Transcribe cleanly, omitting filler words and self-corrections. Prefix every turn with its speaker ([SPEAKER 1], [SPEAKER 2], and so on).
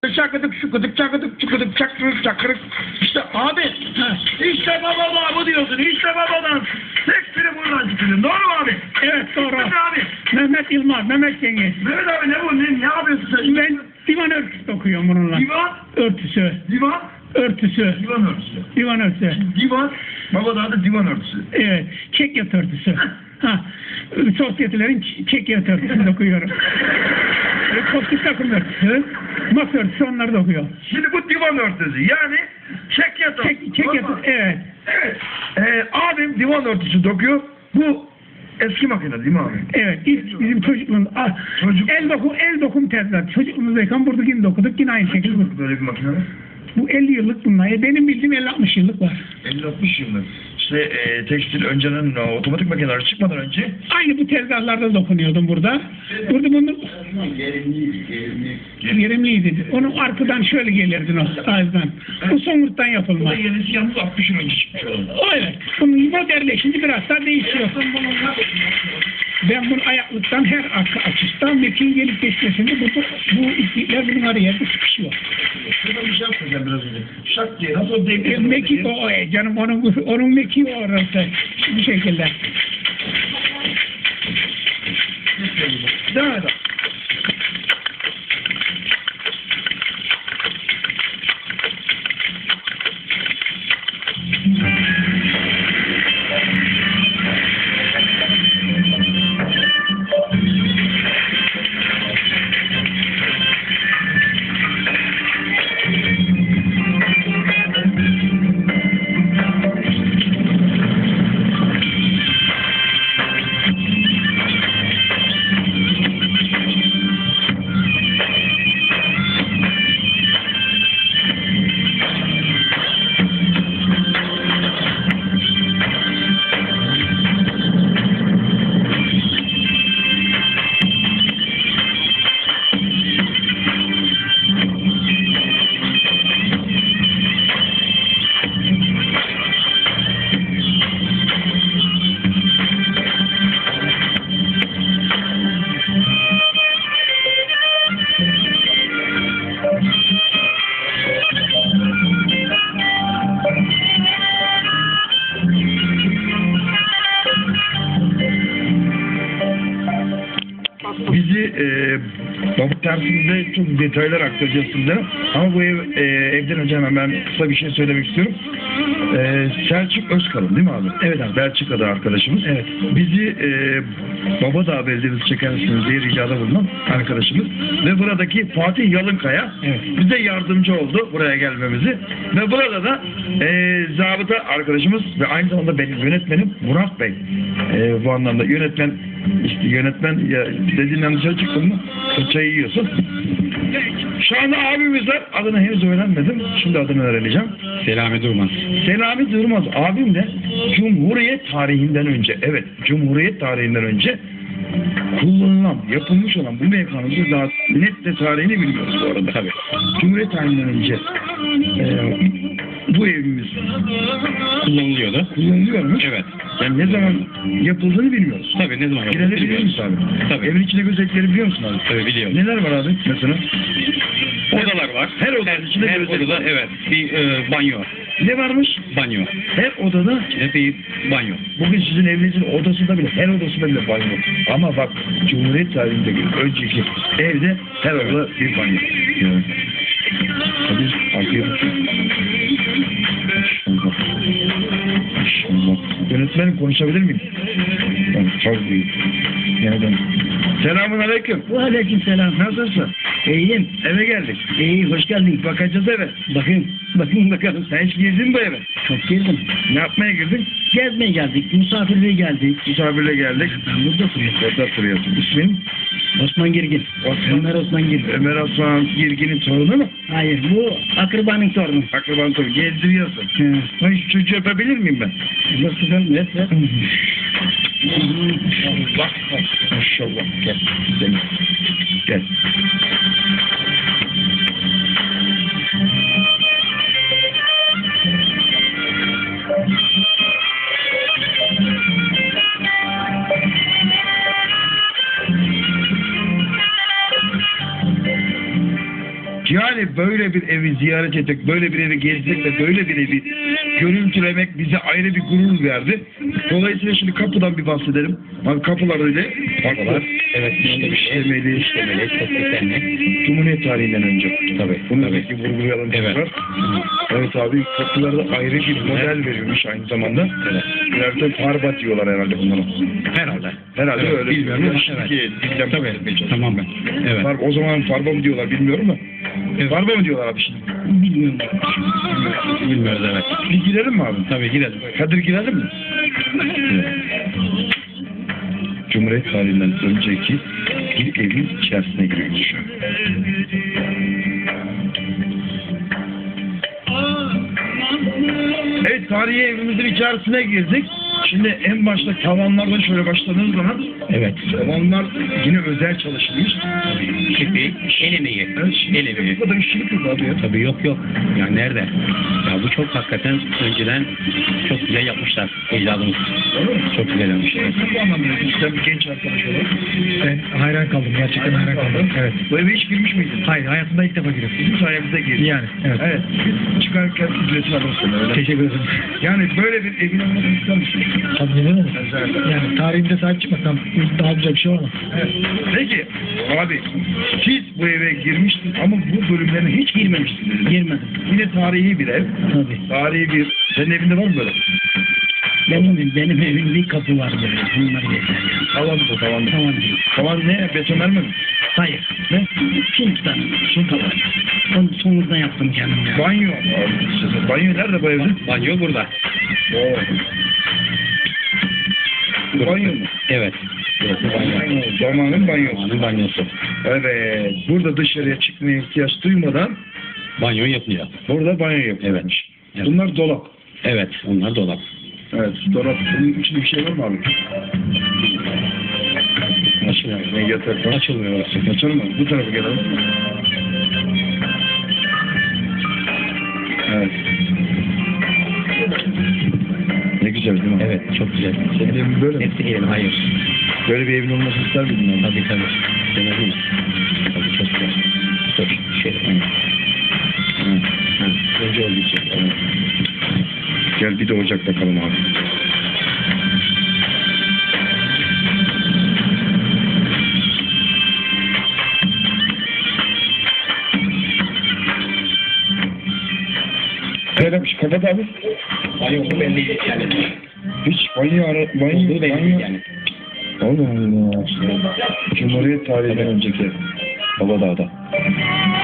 [SPEAKER 1] Çakıdık şukıdık çakıdık çukıdık çakırık çakırık. İşte abi işte baba bu diyorsun. İşte babadan tek biri buradan çıkıyor. Doğru mu abi?
[SPEAKER 2] Evet doğru.
[SPEAKER 1] Mehmet abi.
[SPEAKER 2] Mehmet Yılmaz, Mehmet Cengiz.
[SPEAKER 1] Mehmet abi ne bu? Ne yapıyorsun sen?
[SPEAKER 2] Ben divan örtüsü okuyorum bununla.
[SPEAKER 1] Divan.
[SPEAKER 2] Örtüsü.
[SPEAKER 1] Divan.
[SPEAKER 2] Örtüsü.
[SPEAKER 1] Divan örtüsü.
[SPEAKER 2] Divan örtüsü.
[SPEAKER 1] Divan. Baba da adı divan örtüsü.
[SPEAKER 2] Evet. Çekyat örtüsü. Ha. Sosyetelerin çekyat örtüsünü okuyorum. Koptik takım örtüsü. Masa örtüsü onları da okuyor.
[SPEAKER 1] Şimdi bu divan örtüsü. Yani çekyat örtüsü.
[SPEAKER 2] Çekyat evet.
[SPEAKER 1] Evet. Abim divan örtüsü dokuyor. Bu eski makine değil mi abi?
[SPEAKER 2] Evet. İlk bizim çocukluğumuz. El dokum tezler. Çocukluğumuzdayken burada yine dokuduk. Yine aynı şekilde.
[SPEAKER 1] Böyle bir makine var.
[SPEAKER 2] Bu 50 yıllık bunlar. Benim bildiğim 50-60 yıllık var.
[SPEAKER 1] 50-60 yıllık. İşte tekstil önceden otomatik makineler çıkmadan önce
[SPEAKER 2] Aynı bu tezgahlarda dokunuyordum burada. Burada bunu verimliydi. Onun arkadan şöyle gelirdin o ağızdan. Bu somurttan yapılma.
[SPEAKER 1] bu da yenisi yalnız 60 yıl önce çıkmış olan.
[SPEAKER 2] Evet. Bunun modelleşince biraz daha değişiyor. Ben bunu ayaklıktan her arka açısından mekiğin gelip geçmesinde bu iplikler bunun araya sıkışıyor.
[SPEAKER 1] Şuradan bir şey yapmayacağım biraz önce. Şak diye nasıl devlet?
[SPEAKER 2] Mekik o canım onun mekiği o orası. Bu şekilde.
[SPEAKER 1] Devam edelim. Bizi Babuk dersinde çok detaylar aktaracağız sizlere. Ama bu evden önce hemen ben kısa bir şey söylemek istiyorum. Selçuk Özkalın değil mi abi? Evet abi. Belçika'da arkadaşımız. Evet. Bizi Babadağ Belediyesi çeker misiniz diye ricada bulunan arkadaşımız. Ve buradaki Fatih Yalınkaya bize yardımcı oldu buraya gelmemizi. Ve burada da zabıta arkadaşımız ve aynı zamanda benim yönetmenim Murat Bey. Bu anlamda yönetmen ya dediğinden dışarı çıktın mı fırçayı yiyorsun. Şu anda abimiz var. Adını henüz öğrenmedim. Şimdi adını öğreneceğim.
[SPEAKER 3] Selami Durmaz.
[SPEAKER 1] Selami Durmaz abim de Cumhuriyet tarihinden önce, evet Cumhuriyet tarihinden önce kullanılan, yapılmış olan bu mekanımızı daha net de tarihini bilmiyoruz bu arada.
[SPEAKER 3] Tabii.
[SPEAKER 1] Cumhuriyet tarihinden önce bu evimiz
[SPEAKER 3] Kullanılıyordu.
[SPEAKER 1] kullanılıyormuş.
[SPEAKER 3] Evet.
[SPEAKER 1] Yani ne zaman yapıldığını bilmiyoruz.
[SPEAKER 3] Tabii ne zaman
[SPEAKER 1] Girelim biliyor musun abi?
[SPEAKER 3] Tabii.
[SPEAKER 1] Evin içinde gözetleri biliyor musun abi?
[SPEAKER 3] Tabii biliyorum.
[SPEAKER 1] Neler var abi mesela?
[SPEAKER 3] Odalar var.
[SPEAKER 1] Her odanın içinde
[SPEAKER 3] her
[SPEAKER 1] gözlük
[SPEAKER 3] odada
[SPEAKER 1] var.
[SPEAKER 3] evet bir banyo.
[SPEAKER 1] Ne varmış?
[SPEAKER 3] Banyo.
[SPEAKER 1] Her odada,
[SPEAKER 3] İçinde bir banyo.
[SPEAKER 1] bugün sizin evinizin odasında bile, her odasında bile banyo. Ama bak Cumhuriyet tarihindeki önceki evde her odada bir banyo. Evet. Hadi arkaya bakayım. Maşallah. Yönetmenim konuşabilir miyim? Ben çok büyük. Nereden? Selamun aleyküm.
[SPEAKER 2] Aleyküm selam.
[SPEAKER 1] Nasılsın?
[SPEAKER 2] İyiyim.
[SPEAKER 1] Eve geldik.
[SPEAKER 2] İyi, hoş geldin.
[SPEAKER 1] Bakacağız eve.
[SPEAKER 2] Bakın bakalım.
[SPEAKER 1] Sen hiç girdin mi bu eve?
[SPEAKER 2] Çok girdim.
[SPEAKER 1] Ne yapmaya girdin?
[SPEAKER 2] Gezmeye geldik, misafirliğe geldik.
[SPEAKER 1] Misafirle geldik.
[SPEAKER 2] Ben burada oturuyorum.
[SPEAKER 1] Orada oturuyorsun. İsmin?
[SPEAKER 2] Osman Girgin.
[SPEAKER 1] Ömer
[SPEAKER 2] Osman Girgin.
[SPEAKER 1] Ömer Osman Girgin'in torunu mu?
[SPEAKER 2] Hayır, bu akrabanın torunu.
[SPEAKER 1] Akraban torunu. Gezdiriyorsun. Ben şu çocuğu öpebilir miyim ben?
[SPEAKER 2] Nasıl ben? Evet.
[SPEAKER 1] Bak. Maşallah. Gel. Gel. Gel. Yani böyle bir evi ziyaret etmek, böyle bir evi gezmek ve böyle bir evi görüntülemek bize ayrı bir gurur verdi. Dolayısıyla şimdi kapıdan bir bahsedelim. Abi kapılar öyle.
[SPEAKER 3] Kapılar, evet,
[SPEAKER 1] işlemeli,
[SPEAKER 3] işlemeli, çok desenli.
[SPEAKER 1] Cumhuriyet tarihinden önce.
[SPEAKER 3] Tabii,
[SPEAKER 1] Bunu
[SPEAKER 3] tabii.
[SPEAKER 1] belki vurgulayalım
[SPEAKER 3] Evet.
[SPEAKER 1] tekrar. Evet abi, kapılarda ayrı bir model veriyormuş aynı zamanda.
[SPEAKER 3] Evet.
[SPEAKER 1] Biraz farba diyorlar herhalde bunlara.
[SPEAKER 3] Herhalde.
[SPEAKER 1] Herhalde
[SPEAKER 3] Evet,
[SPEAKER 1] öyle.
[SPEAKER 3] bilmiyorum ama
[SPEAKER 1] Şimdiki dilden
[SPEAKER 3] Tabii,
[SPEAKER 1] bahsetmeye çalışıyorum.
[SPEAKER 3] tamamen. Evet.
[SPEAKER 1] O zaman farba mı diyorlar bilmiyorum da.
[SPEAKER 3] Evet.
[SPEAKER 1] Farba mı diyorlar abi şimdi?
[SPEAKER 2] Bilmiyorum.
[SPEAKER 3] Bilmiyoruz, evet.
[SPEAKER 1] Bir girelim mi abi?
[SPEAKER 3] Tabii, girelim.
[SPEAKER 1] Kadir girelim mi? Cumhuriyet tarihinden önceki bir evin içerisine giriyoruz şu an. Evet, tarihi evimizin içerisine girdik. Şimdi en başta tavanlardan şöyle başladığınız zaman
[SPEAKER 3] Evet.
[SPEAKER 1] tavanlar yine özel çalışılmış.
[SPEAKER 3] Şipi, el emeği.
[SPEAKER 1] Evet, şimdi
[SPEAKER 3] El emeği.
[SPEAKER 1] bu kadar işçilik yok abi ya.
[SPEAKER 3] Tabii, yok. Yani nerede? Ya bu çok hakikaten önceden çok güzel yapmışlar ecdadımız.
[SPEAKER 1] Doğru mu?
[SPEAKER 3] Çok güzel yapmışlar.
[SPEAKER 1] Bu anlamda sen bir genç arkadaş olarak.
[SPEAKER 4] Ben hayran kaldım. Gerçekten hayran kaldım. Evet.
[SPEAKER 1] Bu eve hiç girmiş miydin?
[SPEAKER 4] Hayır, hayatımda ilk defa giriyorum.
[SPEAKER 1] Bizim sayemizde girdin.
[SPEAKER 4] Yani, evet.
[SPEAKER 1] Evet. Biz çıkarken ücretini alırsın öyle.
[SPEAKER 4] Teşekkür ederim.
[SPEAKER 1] Yani böyle bir evin olmasını ister misin?
[SPEAKER 4] Tabii neden olur?
[SPEAKER 1] Güzel.
[SPEAKER 4] Yani tarihimize sahip çıkmaktan daha güzel bir şey olamaz.
[SPEAKER 1] Evet. Peki abi, siz bu eve girmiştiniz ama bu bölümlerine hiç girmemiştiniz.
[SPEAKER 2] Girmedim.
[SPEAKER 1] Yine tarihi bir ev.
[SPEAKER 2] Tabii.
[SPEAKER 1] Tarihi bir... Senin evinde var mı böyle?
[SPEAKER 2] Benim evimde bir kapı var böyle. Bunları geçer.
[SPEAKER 1] Tavan bu, tavan.
[SPEAKER 2] Tamam değil.
[SPEAKER 1] Tavan ne? Betonarme mi?
[SPEAKER 2] Hayır.
[SPEAKER 1] Ne?
[SPEAKER 2] Suntuktan. Suntuktan. Onu sonradan yaptım kendim ya.
[SPEAKER 1] Banyo. Abi, banyo nerede bu evde?
[SPEAKER 3] Banyo burada.
[SPEAKER 1] Oo. Bu banyo mu?
[SPEAKER 3] Evet. Burası banyo.
[SPEAKER 1] Zamanın banyosu.
[SPEAKER 3] Zamanın banyosu.
[SPEAKER 1] Evet. Burada dışarıya çıkmaya ihtiyaç duymadan
[SPEAKER 3] Banyo yapılıyor.
[SPEAKER 1] burada banyo yapılmış.
[SPEAKER 3] Evet.
[SPEAKER 1] Bunlar dolap.
[SPEAKER 3] Evet, onlar dolap.
[SPEAKER 1] Evet, dolap. Bunun içinde bir şey var mı abi?
[SPEAKER 3] Açılmıyor.
[SPEAKER 1] Ne yatak var?
[SPEAKER 3] Açılmıyor orası.
[SPEAKER 1] Açalım mı? Bu tarafa gelelim. Evet. Ne güzel değil mi?
[SPEAKER 3] Evet, çok güzel.
[SPEAKER 1] Senin evin böyle mi?
[SPEAKER 3] Hepsi gelin, hayır.
[SPEAKER 1] Böyle bir evin olmasını ister miydin abi?
[SPEAKER 3] Tabii. Demedin mi? Tabii, çok güzel. Dur, şöyle.
[SPEAKER 1] Önce oldu için. Evet. Gel bir de ocak bakalım abi. Söylemiş, kapat abi.
[SPEAKER 3] Banyo belli yani.
[SPEAKER 1] Hiç banyo
[SPEAKER 3] Olduğu belli yani.
[SPEAKER 1] Allah Allah. Cumhuriyet tarihinden önceki Babadağ'da.